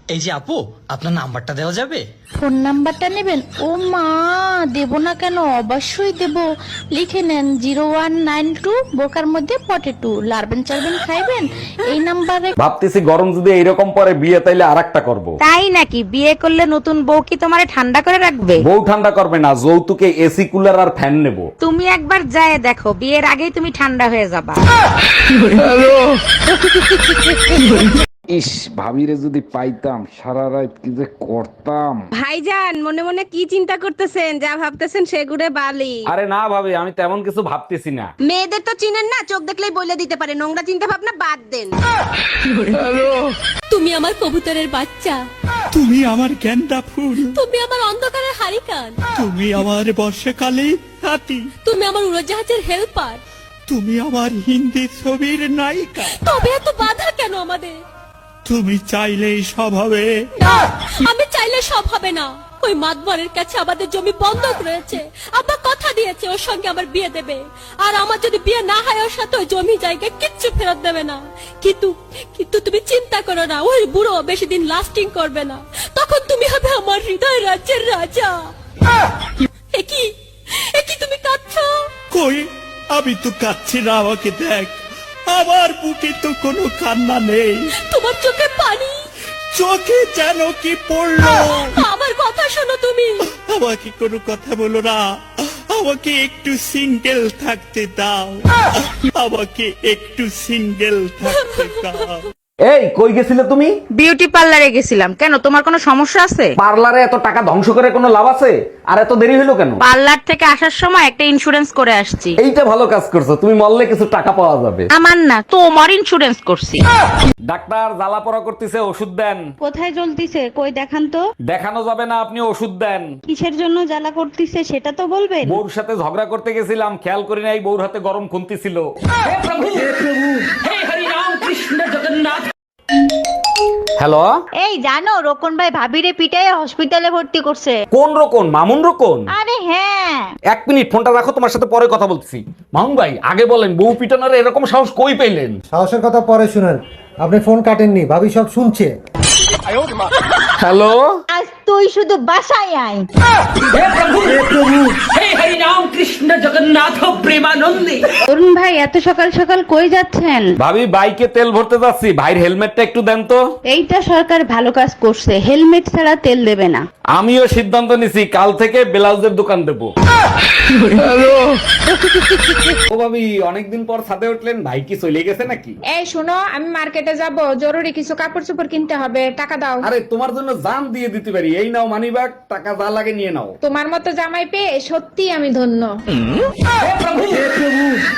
এই যে আপু, আপনার নাম্বারটা দেওয়া যাবে? ফোন নাম্বারটা নেবেন? ও মা, দেব না কেন, অবশ্যই দেব। লিখে নেন 0192 বোকার মধ্যে পটেটো, লারবেন চারবেন খাইবেন এই নাম্বারে। ভাবতেছি গরম যদি এইরকম পরে বিয়ে তাইলে আরেকটা করব। তাই নাকি? বিয়ে করলে নতুন বউ কি তোমারে ঠান্ডা করে রাখবে? বউ ঠান্ডা করবে না, যৌতুকে এসি কুলার আর ফ্যান নেব। তুমি একবার যায় দেখো, বিয়ের আগেই তুমি ঠান্ডা হয়ে যাবা। ইস, ভাবিরে যদি পাইতাম সারা রাত কি যে করতাম। ভাইজান, মনে মনে কি চিন্তা করতেছেন? যা ভাবতেছেন সেগুড়ে বালি। আরে না ভাবি, আমি তেমন কিছু ভাবতেছি না। মেয়েদের তো চিনেন না, চোখ দেখলেই বলে দিতে পারে। নোংরা চিন্তা ভাবনা বাদ দেন। তুমি আমার কবুতরের বাচ্চা, তুমি আমার গেন্দা ফুল, তুমি আমার অন্ধকারের হারিকান, তুমি আমার বর্ষাকালে হাতি, তুমি আমার উড়োজাহাজের হেল্পার। তুমি আমার হিন্দি ছবির নায়িকা। তবে এত বাধা কেন আমাদের? তুমি চাইলেই সব হবে। না, আমি চাইলে সব হবে না। ওই মাতবরের কাছে আমাদের জমি বন্ধক রয়েছে। আব্বা কথা দিয়েছে ওর সঙ্গে আমার বিয়ে দেবে, আর আমার যদি বিয়ে না হয় ওর সাথে ওই জমি জায়গা কিচ্ছু ফেরত দেবে না। কিন্তু কিন্তু তুমি চিন্তা করো না, ওই বুড়ো বেশি দিন লাস্টিং করবে না। তখন তুমি হবে আমার হৃদয় রাজ্যের রাজা। একই একই তুমি কাঁদছো? কই, আমি তো কাচ্ছি না, আমাকে দেখ। আমার বুকে তো কোনো কান্না নেই, তোমার চোখে পানি, চোখে যেন কি পড়লো। আমার কথা শোনো তুমি। আমাকে কোনো কথা বলো না, আমাকে একটু সিঙ্গেল থাকতে দাও, আমাকে একটু সিঙ্গেল থাকতে দাও। এই কই গেছিলে তুমি? বিউটি পার্লারে গেছিলাম। কেন, তোমার কোনো সমস্যা আছে? পার্লারে এত টাকা ধ্বংস করে কোনো লাভ আছে? আর এত দেরি হলো কেন? পার্লার থেকে আসার সময় একটা ইন্স্যুরেন্স করে আসছি। এইটা ভালো কাজ করছো, তুমি মরলে কিছু টাকা পাওয়া যাবে। আমার না, তোমার ইন্স্যুরেন্স করছি। ডাক্তার জ্বালা পড়া করতেছে, ওষুধ দেন। কোথায় জ্বলতিছে কই দেখান তো। দেখানো যাবে না, আপনি ওষুধ দেন। কিসের জন্য জ্বালা করতিছে সেটা তো বলবেন। বউর সাথে ঝগড়া করতে গেছিলাম, খেয়াল করি নাই বউর হাতে গরম খুন্তি ছিল। হ্যালো, এই জানো, রোকন ভাই ভাবিরে পিটায় হসপিটালে ভর্তি করছে। কোন রকম? মামুন রকম? আরে হ্যাঁ। এক মিনিট, ফোনটা রাখো, তোমার সাথে পরে কথা বলছি। মামুন ভাই, আগে বলেন বউ পিটানোর এরকম সাহস কই পেলেন? সাহসের কথা পরে শুনেন, আপনি ফোন কাটেননি, ভাবি সব শুনছে। হ্যালো, আজ তুই শুধু বাসায় আয়। অরুণ ভাই, এত সকাল সকাল কই যাচ্ছেন? ভাবি বাইকে তেল ভরতে যাচ্ছি, ভাইয়ের হেলমেটটা একটু দেন তো। এইটা সরকার ভালো কাজ করছে, হেলমেট ছাড়া তেল দেবে না। আমিও সিদ্ধান্ত নিছি, কাল থেকে ব্লাউজের দোকান দেবো। ও ভাবি, অনেকদিন পর ছাদে উঠলেন, ভাই কি চলে গেছে নাকি? এই শোনো, আমি মার্কেটে যাব, জরুরি কিছু কাপড় চোপড় কিনতে হবে, টাকা দাও। আরে তোমার জন্য জান দিয়ে দিতে পারি, এই নাও মানিব্যাগ, টাকা যা লাগে নিয়ে নাও। তোমার মতো জামাই পেয়ে সত্যি আমি ধন্য।